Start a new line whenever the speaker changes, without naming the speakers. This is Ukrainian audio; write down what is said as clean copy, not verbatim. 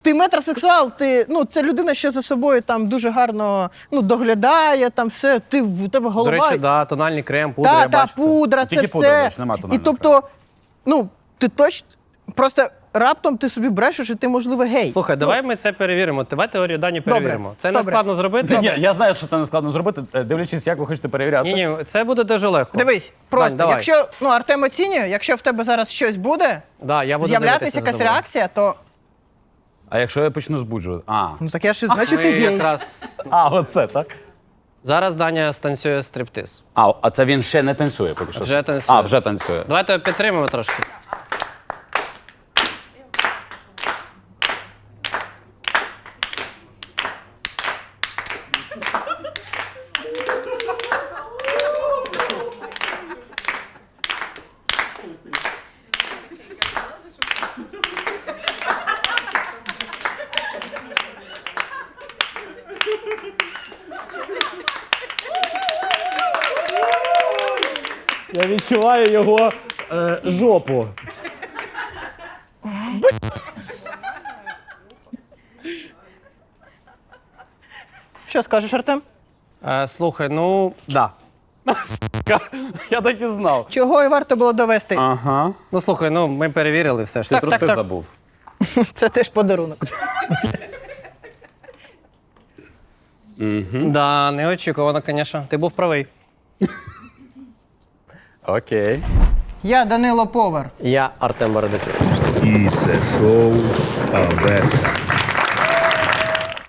Ти метросексуал, це людина, що за собою там дуже гарно доглядає, там все, у тебе голова.
До речі, тональний крем, пудра, я бачу це.
Пудра, це
Тільки пудра,
все.
бачиш, нема тонального
І тобто, ти точно, просто раптом ти собі брешеш, і ти, можливо, гей.
Слухай, давай ми це перевіримо. Давай теорію Дані перевіримо. Це не складно зробити.
Ні, я знаю, що це не складно зробити, дивлячись, як ви хочете перевіряти.
Ні, це буде дуже легко.
Дивись, просто,
давай.
якщо, Артем оцінює, якщо в тебе зараз щось буде,
Я буду
з'являтися
дивитися
якась
за тобою.
реакція, то,
А якщо я почну збуджувати?
так я ж значить
Ми
ти гей.
якраз...
Оце, так?
Зараз Даня станцює стриптиз.
А це він ще не танцює поки що?
Вже танцює.
Вже танцює.
Давайте підтримаємо трошки.
Я відчуваю його жопу.
Що скажеш, Артем?
Слухай,
Да. Я так і знав.
Чого і варто було довести?
Ага.
слухай, ми перевірили все ж.
Так,
Труси
так.
забув.
Це теж подарунок.
Да, неочікувано, звісно. Ти був правий.
Окей.
Я Данило Повар.
Я Артем Бородачук.
І це шоу Аверта.